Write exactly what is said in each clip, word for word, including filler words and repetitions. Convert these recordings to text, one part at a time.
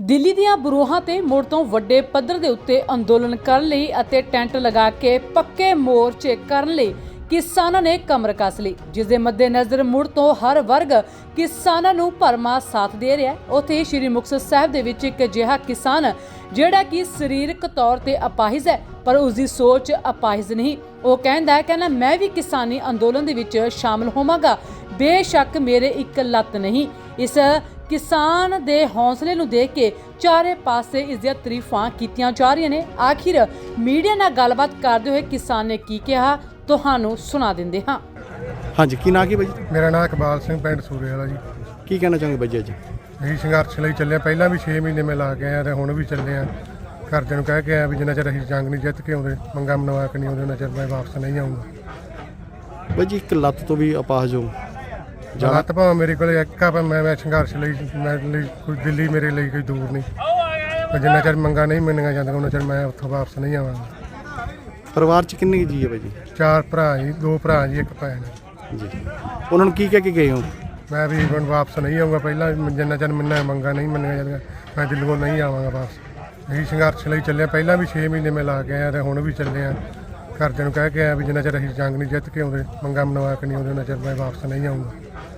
ਦਿੱਲੀ ਦੀਆਂ ਬਰੂਹਾਂ ਤੇ ਮੁੜ ਤੋਂ ਵੱਡੇ ਪੱਧਰ ਦੇ ਉੱਤੇ ਅੰਦੋਲਨ ਕਰਨ ਲਈ ਅਤੇ ਟੈਂਟ ਲਗਾ ਕੇ ਪੱਕੇ ਮੋਰਚੇ ਕਰਨ ਲਈ ਕਿਸਾਨਾਂ ਨੇ ਕਮਰ ਕੱਸ ਲਈ, ਜਿਸ ਦੇ ਮੱਦੇਨਜ਼ਰ ਮੁੜ ਤੋਂ ਹਰ ਵਰਗ ਕਿਸਾਨਾਂ ਨੂੰ ਭਰਮਾ ਸਾਥ ਦੇ ਰਿਹਾ ਹੈ। ਉੱਥੇ ਸ਼੍ਰੀ ਮੁਕਤਸਰ ਸਾਹਿਬ ਦੇ ਵਿੱਚ ਇੱਕ ਅਜਿਹਾ ਕਿਸਾਨ ਜਿਹੜਾ ਕਿ ਸਰੀਰਕ ਤੌਰ ਤੇ ਅਪਾਹਿਜ ਹੈ, ਪਰ ਉਸ ਦੀ ਸੋਚ ਅਪਾਹਿਜ ਨਹੀਂ। ਉਹ ਕਹਿੰਦਾ ਹੈ ਕਿ ਨਾ ਮੈਂ ਵੀ ਕਿਸਾਨੀ ਅੰਦੋਲਨ ਦੇ ਵਿੱਚ ਸ਼ਾਮਲ ਹੋਵਾਂਗਾ, ਬੇਸ਼ੱਕ ਮੇਰੇ ਇੱਕ ਲੱਤ ਨਹੀਂ। ਇਸ ਕਿਸਾਨ ਦੇ ਹੌਸਲੇ ਨੂੰ ਦੇਖ ਕੇ ਚਾਰੇ ਪਾਸੇ ਇਸ ਦੀਆਂ ਤਾਰੀਫਾਂ ਕੀਤੀਆਂ ਜਾ ਰਹੀਆਂ ਨੇ। ਆਖਿਰ ਮੀਡੀਆ ਨਾਲ ਗੱਲਬਾਤ ਕਰਦੇ ਹੋਏ ਕਿਸਾਨ ਨੇ ਕੀ ਕਿਹਾ, ਤੁਹਾਨੂੰ ਸੁਣਾ ਦਿੰਦੇ ਹਾਂ। ਹਾਂਜੀ, ਕੀ ਨਾਂ ਕੀ ਬਾਈ? ਮੇਰਾ ਨਾਮ ਇਕਬਾਲ ਸਿੰਘ, ਪਿੰਡ ਸੂਰੇ ਵਾਲਾ ਜੀ। ਕੀ ਕਹਿਣਾ ਚਾਹੋਗੇ ਬਾਈ ਅੱਜ? ਅਸੀਂ ਸੰਘਰਸ਼ ਲਈ ਚੱਲੇ, ਪਹਿਲਾਂ ਵੀ ਛੇ ਮਹੀਨੇ ਮੈਂ ਲਾ ਕੇ ਆਇਆ ਤੇ ਹੁਣ ਵੀ ਚੱਲੇ ਆ। ਘਰਦਿਆਂ ਨੂੰ ਕਹਿ ਕੇ ਆਇਆ ਵੀ ਜਿੰਨਾ ਚਿਰ ਅਸੀਂ ਜੰਗ ਨਹੀਂ ਜਿੱਤ ਕੇ ਆਉਂਦੇ, ਮੰਗਾਂ ਮਨਵਾ ਕੇ ਨਹੀਂ ਆਉਂਦੇ, ਉਹਨਾਂ ਚਿਰ ਮੈਂ ਵਾਪਸ ਨਹੀਂ ਆਊਂਗਾ। ਬਾਈ ਜੀ, ਇੱਕ ਲੱਤ ਤੋਂ ਵੀ ਅਪਾਹਜ ਹੋ ਲੱਤ ਭਾਵੇਂ ਮੇਰੇ ਕੋਲ ਇੱਕ ਆ, ਪਰ ਮੈਂ ਮੈਂ ਸੰਘਰਸ਼ ਲਈ ਮੈਂ ਲਈ ਕੋਈ ਦਿੱਲੀ ਮੇਰੇ ਲਈ ਕੋਈ ਦੂਰ ਨਹੀਂ। ਪਰ ਜਿੰਨਾ ਚਿਰ ਮੰਗਾਂ ਨਹੀਂ ਮੰਨੀਆਂ ਜਾਂਦੀਆਂ ਉਹਨਾਂ ਚਿਰ ਮੈਂ ਉੱਥੋਂ ਵਾਪਸ ਨਹੀਂ ਆਵਾਂਗਾ। ਪਰਿਵਾਰ 'ਚ ਕਿੰਨੇ ਕੁ ਜੀ ਹੈ ਬਾਈ ਜੀ? ਚਾਰ ਭਰਾ ਜੀ, ਦੋ ਭਰਾ ਜੀ, ਇੱਕ ਭੈਣ ਜੀ। ਉਹਨਾਂ ਨੂੰ ਕੀ ਕਹਿ ਕੇ ਗਏ ਹੋ? ਮੈਂ ਵੀ ਹੁਣ ਵਾਪਸ ਨਹੀਂ ਆਊਂਗਾ। ਪਹਿਲਾਂ ਜਿੰਨਾ ਚਿਰ ਮੈਨੂੰ ਮੰਗਾਂ ਨਹੀਂ ਮੰਨੀਆਂ ਜਾਂਦੀਆਂ ਮੈਂ ਦਿੱਲੀੋਂ ਨਹੀਂ ਆਵਾਂਗਾ ਵਾਪਸ। ਅਸੀਂ ਸੰਘਰਸ਼ ਲਈ ਚੱਲੇ, ਪਹਿਲਾਂ ਵੀ ਛੇ ਮਹੀਨੇ ਮੈਂ ਲਾ ਕੇ ਆਇਆ ਤੇ ਹੁਣ ਵੀ ਚੱਲੇ ਆ। ਘਰਦਿਆਂ ਨੂੰ ਕਹਿ ਕੇ ਆਇਆ ਵੀ ਜਿੰਨਾ ਚਿਰ ਅਸੀਂ ਜੰਗ ਨਹੀਂ ਜਿੱਤ ਕੇ ਆਉਂਦੇ, ਮੰਗਾਂ ਮਨਵਾ ਕੇ ਨਹੀਂ ਆਉਂਦੇ, ਉਹਨਾਂ ਚਿਰ ਮੈਂ ਵਾਪਸ ਨਹੀਂ ਆਊਂਗਾ।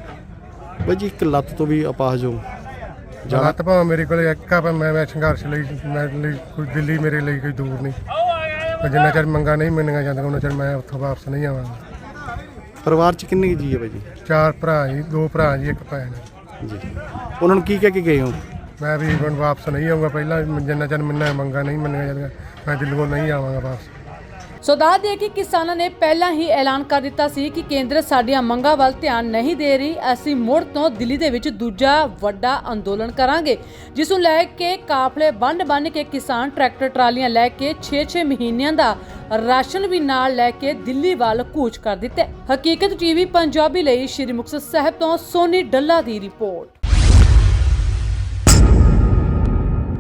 ਬਾਈ ਜੀ, ਇੱਕ ਲੱਤ ਤੋਂ ਵੀ ਅਪਾਹਜ ਹੋ ਲੱਤ ਭਾਵੇਂ ਮੇਰੇ ਕੋਲ ਇੱਕ ਆ, ਪਰ ਮੈਂ ਮੈਂ ਸੰਘਰਸ਼ ਲਈ ਮੈਂ ਲਈ ਕੋਈ ਦਿੱਲੀ ਮੇਰੇ ਲਈ ਕੋਈ ਦੂਰ ਨਹੀਂ। ਪਰ ਜਿੰਨਾ ਚਿਰ ਮੰਗਾਂ ਨਹੀਂ ਮੰਨੀਆਂ ਜਾਂਦੀਆਂ ਉਹਨਾਂ ਚਿਰ ਮੈਂ ਉੱਥੋਂ ਵਾਪਸ ਨਹੀਂ ਆਵਾਂਗਾ। ਪਰਿਵਾਰ 'ਚ ਕਿੰਨੇ ਕੁ ਜੀ ਹੈ ਬਾਈ ਜੀ? ਚਾਰ ਭਰਾ ਜੀ, ਦੋ ਭਰਾ ਜੀ, ਇੱਕ ਭੈਣ ਜੀ। ਉਹਨਾਂ ਨੂੰ ਕੀ ਕਹਿ ਕੇ ਗਏ ਹੋ? ਮੈਂ ਵੀ ਹੁਣ ਵਾਪਸ ਨਹੀਂ ਆਊਂਗਾ। ਪਹਿਲਾਂ ਜਿੰਨਾ ਚਿਰ ਮੈਨੂੰ ਮੰਗਾਂ ਨਹੀਂ ਮੰਨੀਆਂ ਜਾਂਦੀਆਂ ਮੈਂ ਦਿੱਲੀੋਂ ਨਹੀਂ ਆਵਾਂਗਾ ਵਾਪਸ। ਸੋ ਦੱਸ ਦਈਏ ਕਿ ਕਿਸਾਨਾਂ ਨੇ ਪਹਿਲਾਂ ਹੀ ਐਲਾਨ ਕਰ ਦਿੱਤਾ ਸੀ ਕਿ ਕੇਂਦਰ ਸਾਡੀਆਂ ਮੰਗਾਂ ਵੱਲ ਧਿਆਨ ਨਹੀਂ ਦੇ ਰਹੀ। ਅਸੀਂ ਮੁੜ ਤੋਂ ਦਿੱਲੀ ਦੇ ਵਿੱਚ ਦੂਜਾ ਵੱਡਾ ਅੰਦੋਲਨ ਕਰਾਂਗੇ, ਜਿਸ ਨੂੰ ਲੈ ਕੇ ਕਾਫਲੇ ਬੰਨ ਬੰਨ ਕੇ ਕਿਸਾਨ ਟਰੈਕਟਰ ਟਰਾਲੀਆਂ ਲੈ ਕੇ ਛੇ ਛੇ ਮਹੀਨਿਆਂ ਦਾ ਰਾਸ਼ਨ ਵੀ ਨਾਲ ਲੈ ਕੇ ਦਿੱਲੀ ਵੱਲ ਕੂਚ ਕਰ ਦਿੱਤਾ। ਹਕੀਕਤ ਟੀਵੀ ਪੰਜਾਬੀ ਲਈ ਸ਼੍ਰੀ ਮੁਕਤਸਰ ਸਾਹਿਬ ਤੋਂ ਸੋਨੀ ਡੱਲਾ ਦੀ ਰਿਪੋਰਟ।